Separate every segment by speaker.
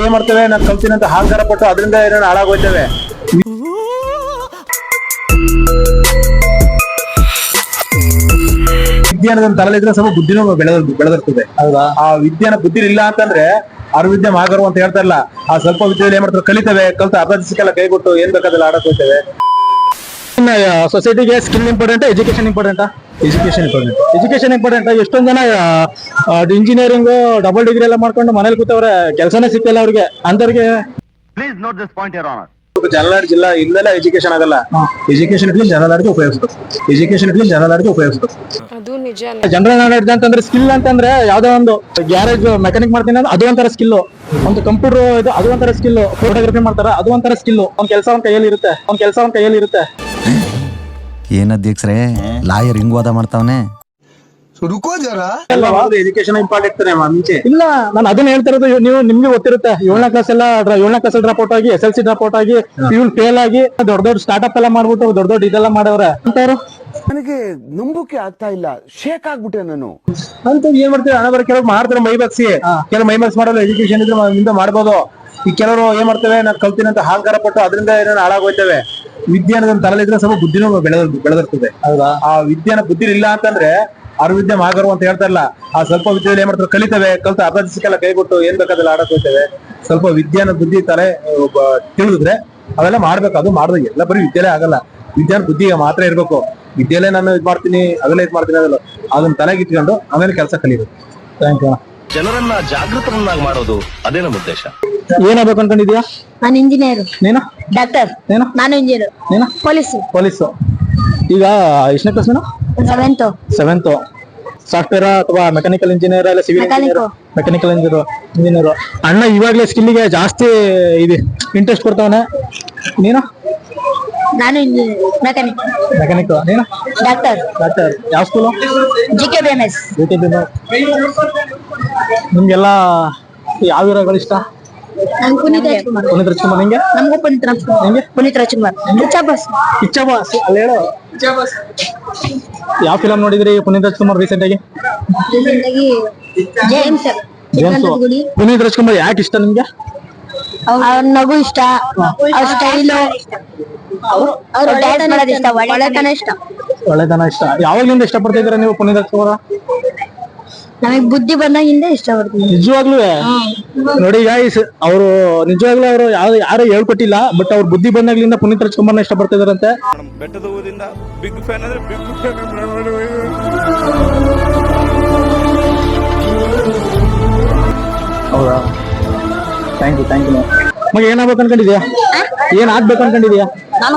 Speaker 1: ಏನ್ ಮಾಡ್ತೇವೆ ನಾನು ಕಲ್ತೀನಿ ಅಂತ ಅಹಂಕಾರ ಪಟ್ಟು ಅದರಿಂದ ಏನೇನು ಹಾಳಾಗೋಯ್ತೇವೆ. ವಿದ್ಯಾನದ ತಲೆಲಿದ್ರೆ ಸ್ವಲ್ಪ ಬುದ್ಧಿನೂ ಬೆಳೆದಿರ್ತದೆ. ಹೌದಾ? ಆ ವಿದ್ಯಾನ ಬುದ್ಧಿ ಇಲ್ಲ ಅಂತಂದ್ರೆ ವಿದ್ಯೆ ಮಾಗರು ಅಂತ ಹೇಳ್ತಾರಲ್ಲ, ಆ ಸ್ವಲ್ಪ ವಿದ್ಯೆಯಲ್ಲಿ ಏನ್ ಮಾಡ್ತಾರೆ ಕಲಿತೇವೆ, ಕಲ್ತ ಅರ್ಧ ದಿವಸಕ್ಕೆಲ್ಲ ಕೈಗೊಟ್ಟು ಏನ್ ಬೇಕಾದಲ್ಲ ಆಡಕ್ ಹೋಗ್ತೇವೆ.
Speaker 2: ಸೊಸೈಟಿಗೆ skill important, education important. Education important. ಎಷ್ಟೊಂದ್ ಜನ ಇಂಜಿನಿಯರಿಂಗ್ ಡಬಲ್ ಡಿಗ್ರಿ ಎಲ್ಲ ಮಾಡ್ಕೊಂಡು ಮನೇಲಿ ಕೂತವ್ರೆ, ಕೆಲಸನೇ ಸಿಕ್ಕಿಲ್ಲ ಅವ್ರಿಗೆ. ಅಂತವ್ರಿಗೆ
Speaker 3: please note this point your honour.
Speaker 1: General ಜಿಲ್ಲಾ ಇಲ್ಲೆಲ್ಲ ಎಜುಕೇಶನ್ ಆಗಲ್ಲ. ಎಜುಕೇಶನ್ ಇಟ್ಲಿ ಜನರಲ್ಗೆ ಉಪಯೋಗಿಸ್ಬೇಕು.
Speaker 4: ಅದು ನಿಜ.
Speaker 2: ಜನರಲ್ ನಾಲೆಡ್ಜ್ ಅಂತಂದ್ರೆ ಸ್ಕಿಲ್ ಅಂತಂದ್ರೆ ಯಾವ್ದೋ ಒಂದು ಗ್ಯಾರೇಜ್ ಮೆಕ್ಯಾನಿಕ್ ಮಾಡ್ತೀನಿ ಅಂದ್ರೆ ಅದು ಒಂಥರ ಸ್ಕಿಲ್. ಒಂದು ಕಂಪ್ಯೂಟರ್ ಇದು ಅದು ಒಂಥರ ಸ್ಕಿಲ್. ಫೋಟೋಗ್ರಫಿ ಮಾಡ್ತಾರ ಅದು ಒಂಥರ ಸ್ಕಿಲ್. ಒಂದ್ ಕೆಲಸ ಒಂದ್ ಕೈಯಲ್ಲಿ ಇರುತ್ತೆ.
Speaker 5: ಏನ್ ಅಧ್ಯಕ್ಷರೇ ಲಾಯರ್ ಹಿಂಗ್ ವಾದ ಮಾಡ್ತಾವನೆ.
Speaker 1: ಎಜುಕೇಶನ್ ಇಂಪಾರ್ಟೆಂಟ್ ಮುಂಚೆ
Speaker 2: ಇಲ್ಲ, ನಾನು ಅದನ್ನ ಹೇಳ್ತಾ ಇರೋದು. ನಿಮ್ಗೆ ಗೊತ್ತಿರುತ್ತೆ, 7ನೇ ಕ್ಲಾಸ್ ಡ್ರಾಪ್ ಔಟ್ ಆಗಿ, SLC ಡ್ರಾಪ್ ಔಟ್ ಆಗಿ, ಪ್ಯೂಲ್ ಫೇಲ್ ಆಗಿ ದೊಡ್ಡ ಸ್ಟಾರ್ಟ್ಅಪ್ ಎಲ್ಲ ಮಾಡ್ಬಿಟ್ಟು ದೊಡ್ಡ ಇದೆಲ್ಲ ಮಾಡವ್ರೆ ಅಂತವ್ರು.
Speaker 6: ನನಗೆ ನಂಬುಕೆ ಆಗ್ತಾ ಇಲ್ಲ, ಶೇಕ್ ಆಗ್ಬಿಟ್ಟೆ ನಾನು
Speaker 1: ಅಂತ. ಏನ್ ಮಾಡ್ತೀವಿ ಹಣ ಬರ ಕೆಲವ್ರು ಮಾಡ್ತಾರೆ ಮೈಬಗ್ಸಿ, ಕೆಲವು ಮೈಬಗ್ಸ್ ಮಾಡಲ್ಲ. ಎಜುಕೇಶನ್ ಇದ್ರೆ ಇಂದ ಮಾಡ್ಬೋದು. ಈ ಕೆಲವರು ಏನ್ ಮಾಡ್ತೇವೆ ನಾನು ಕಲ್ತೀನಿ ಅಂತ ಅಹಂಕಾರ ಪಟ್ಟು ಅದರಿಂದ ಏನೇನು ಹಾಳಾಗೋಯ್ತೇವೆ. ವಿದ್ಯಾನದ ತಲೆಲಿದ್ರೆ ಸ್ವಲ್ಪ ಬುದ್ಧಿನೂ ಬೆಳೆದಿರ್ತದೆ. ಹೌದಾ? ಆ ವಿದ್ಯಾನ ಬುದ್ಧಿ ಇಲ್ಲ ಅಂತಂದ್ರೆ ವಿದ್ಯೆ ಮಾಗರು ಅಂತ ಹೇಳ್ತಾರಲ್ಲ, ಆ ಸ್ವಲ್ಪ ವಿದ್ಯೆಯಲ್ಲಿ ಏನ್ ಮಾಡ್ತಾರೆ ಕಲಿತೇವೆ, ಕಲ್ತ ಅರ್ಧ ದಿವಸಕ್ಕೆಲ್ಲ ಕೈಗೊಟ್ಟು ಏನ್ ಬೇಕಾದಲ್ಲ ಆಡಕ್ ಹೋಗ್ತೇವೆ. ಸ್ವಲ್ಪ ವಿದ್ಯಾನ ಬುದ್ಧಿ ತಲೆ ತಿಳಿದ್ರೆ ಅವೆಲ್ಲ ಮಾಡ್ಬೇಕು. ಅದು ಮಾಡಿದ್ರೆ ಎಲ್ಲ ಬರೀ ವಿದ್ಯೆಲೇ ಆಗಲ್ಲ. ವಿದ್ಯಾನ ಬುದ್ಧಿಗೆ ಮಾತ್ರ ಇರ್ಬೇಕು. ವಿದ್ಯೆಲೇ ನಾನು ಇದ್ ಮಾಡ್ತೀನಿ ಅದೆಲ್ಲ ಅದಲ್ಲ, ಅದನ್ನ ತಲೆಗೆ ಇಟ್ಕೊಂಡು ಆಮೇಲೆ ಕೆಲಸ ಕಲಿಬೇಕು. Thank you.
Speaker 3: ಜನರನ್ನ ಜಾಗೃತರನ್ನಾಗಿ ಮಾಡೋದು ಅದೇ ನಮ್ಮ ಉದ್ದೇಶ.
Speaker 2: ಏನಾಗ್ಬೇಕು ಅನ್ಕೊಂಡಿದ್ಯಾ?
Speaker 4: ನಾನು ಇಂಜಿನಿಯರ್.
Speaker 2: ನೀನು?
Speaker 4: ಡಾಕ್ಟರ್.
Speaker 2: ನೀನು?
Speaker 4: ನಾನು ಇಂಜಿನಿಯರ್.
Speaker 2: ನೀನು? ಪೊಲೀಸು. ಈಗ ಎಷ್ಟನೇ ಕ್ಲಾಸ್ ನೀನು? 7th. ಸಾಫ್ಟ್ವೇರ್ ಅಥವಾ ಮೆಕ್ಯಾನಿಕಲ್ ಇಂಜಿನಿಯರ್ ಇಲ್ಲ ಸಿವಿಲ್ ಮೆಕ್ಯಾನಿಕಲ್ ಇಂಜಿನಿಯರ್. ಅಣ್ಣ ಇವಾಗ್ಲೇ ಸ್ಕಿಲ್ಗೆ ಜಾಸ್ತಿ ಇದೆ ಇಂಟ್ರೆಸ್ಟ್ ಕೊಡ್ತಾವನೆ. ನೀನು?
Speaker 4: ನಾನು ಮೆಕ್ಯಾನಿಕ್.
Speaker 2: ನೀನು?
Speaker 4: ಡಾಕ್ಟರ್.
Speaker 2: ಯಾವ ಸ್ಕೂಲು?
Speaker 4: JKBMS.
Speaker 2: ನಿಮ್ಗೆಲ್ಲ ಯಾವ ಹೀರೋಗಳು ಇಷ್ಟ?
Speaker 4: ನಾನು ಪುನೀತ್ ರಾಜ್ಕುಮಾರ್.
Speaker 2: ನಿಂಗೆ?
Speaker 4: ನಮಗೂ ಪುನೀತ್ ರಾಜ್ಕುಮಾರ್.
Speaker 2: ಕಿಚ್ಚ ಬಾಸ್ ಅಲ್ಲಿ ಹೇಳು. ಯಾವ ಫಿಲಂ ನೋಡಿದ್ರಿ ಪುನೀತ್ ರಾಜ್ಕುಮಾರ್ ರೀಸೆಂಟ್ ಆಗಿ?
Speaker 4: ಜೇಮ್ಸ್.
Speaker 2: ಪುನೀತ್ ರಾಜ್ಕುಮಾರ್ ಯಾಕೆ ಇಷ್ಟ ನಿಮ್ಗೆ?
Speaker 4: ಅವ್ರ ನಗು ಇಷ್ಟ, ಅವ್ರ ಸ್ಟೈಲು, ಅವ್ರ ಡ್ಯಾನ್ಸ್ ಮಾಡೋದು ಇಷ್ಟ,
Speaker 2: ಒಳ್ಳೆತನ ಇಷ್ಟ. ಯಾವಾಗ್ಲಿಂದ ಇಷ್ಟಪಡ್ತಾ ಇದ್ದೀರಾ ನೀವು ಪುನೀತ್ ರಾಜ್ಕುಮಾರ್?
Speaker 4: ನಮಗ್ ಬುದ್ಧಿ ಬಂದಾಗಿಂದ ಇಷ್ಟಪಡ್ತೀನಿ.
Speaker 2: ನಿಜವಾಗ್ಲೂ ನೋಡಿ ಗಾಯ್ಸ್, ಅವರು ನಿಜವಾಗ್ಲೂ ಅವರು ಯಾರು ಹೇಳ್ಕೊಟ್ಟಿಲ್ಲ, ಬಟ್ ಅವ್ರ ಬುದ್ಧಿ ಬಂದಾಗ್ಲಿಂದ ಪುನೀತ್ ರಾಜ್ಕುಮಾರ್ನ ಇಷ್ಟಪಡ್ತಾ ಇದಾರಂತೆ.
Speaker 7: ಬೆಟ್ಟದ ಊರಿಂದ ಬಿಗ್ ಫ್ಯಾನ್ ಅಂದ್ರೆ ಬಿಗ್ ಫ್ಯಾನ್.
Speaker 2: ಹೌದಾ? Thank you. ಮಗ ಏನಾಗ್ಬೇಕು ಅನ್ಕೊಂಡಿದ್ಯಾ? ಏನ್ ಆಗ್ಬೇಕು ಅನ್ಕೊಂಡಿದ್ಯಾ?
Speaker 4: ನಾನು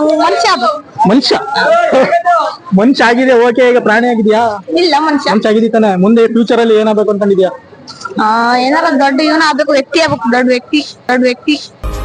Speaker 2: ಮನುಷ್ಯ ಆಗಿದೆ, ಓಕೆ. ಈಗ ಪ್ರಾಣಿ ಆಗಿದ್ಯಾ?
Speaker 4: ಇಲ್ಲ, ಮನುಷ್ಯ
Speaker 2: ಆಗಿದ್ದೀ ತಾನೆ. ಮುಂದೆ ಫ್ಯೂಚರ್ ಅಲ್ಲಿ ಏನಾಗ್ಬೇಕು ಅನ್ಕೊಂಡಿದ್ಯಾ?
Speaker 4: ಏನಾರ ದೊಡ್ಡ ಇವನ ಆಗ್ಬೇಕು, ವ್ಯಕ್ತಿ ಆಗ್ಬೇಕು, ದೊಡ್ಡ ವ್ಯಕ್ತಿ.